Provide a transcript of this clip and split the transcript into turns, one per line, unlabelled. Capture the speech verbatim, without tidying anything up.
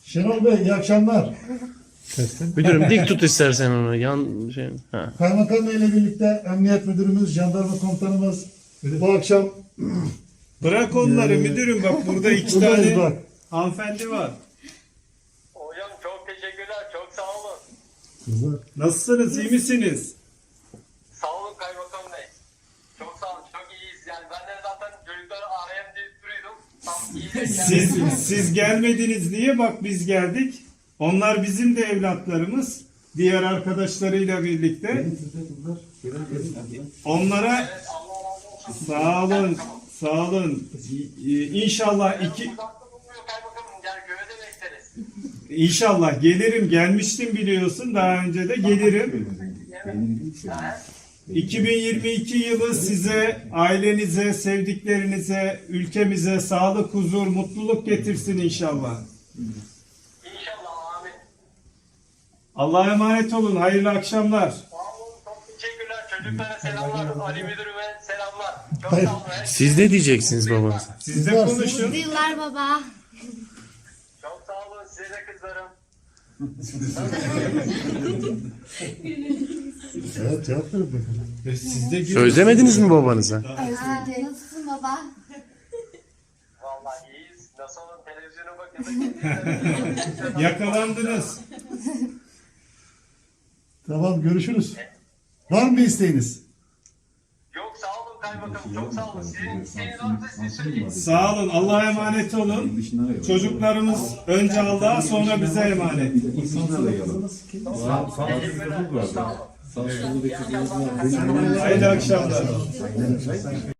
Şenol Bey iyi akşamlar.
Müdürüm dik tut istersen onu. Yan şey. Ha.
Kaymakam Bey ile birlikte Emniyet Müdürümüz, Jandarma Komutanımız bu akşam
Bırak onları müdürüm, bak burada iki
buradayız
tane
bak.
hanımefendi var.
Hocam çok teşekkürler, çok sağ olun.
Kızlar.
Nasılsınız, iyi misiniz?
Sağ olun Kaymakam Bey. Çok sağ olun, çok iyiyiz. Yani ben de zaten çocukları arayayım diye duruyordum. Tam iyiyiz.
Siz, siz gelmediniz diye bak biz geldik. Onlar bizim de evlatlarımız. Diğer arkadaşlarıyla birlikte. Onlara
Evet, Allah razı olsun.
sağ olun, sağ olun. İnşallah iki,
Uzakta bulunmuyor Kaymakamım, yani köyde bekleriz.
İnşallah gelirim. Gelmiştim biliyorsun daha önce de gelirim.
Evet.
iki bin yirmi iki yılı size, ailenize, sevdiklerinize, ülkemize sağlık, huzur, mutluluk getirsin inşallah.
İnşallah, amin.
Allah'a emanet olun. Hayırlı akşamlar.
Sağ olun, çok teşekkürler. Çocuklara selamlar, Ali Müdürüme selamlar. Çok
Hayır.
sağ olun.
Siz ne diyeceksiniz babanıza?
Siz de konuşun.
Mutlu yıllar baba.
Çok sağ olun, size de kızlarım.
Evet cevap verin bakalım.
Siz de
Özlemediniz mi babanıza?
Özledim. Nasılsın baba?
Vallahi iyiyiz. Nasıl olun, televizyona bakıyorduk.
Yakalandınız.
Tamam görüşürüz. Var mı bir isteğiniz?
Yok, sağ olun Kaymakamım, çok sağ olun. Sizin isteğiniz varsa siz söyleyin.
Sağ olun. Allah'a emanet olun. Çocuklarımız önce Allah'a sonra bize emanet.
Teşekkürler, sağ olun.
Hayırlı akşamlar.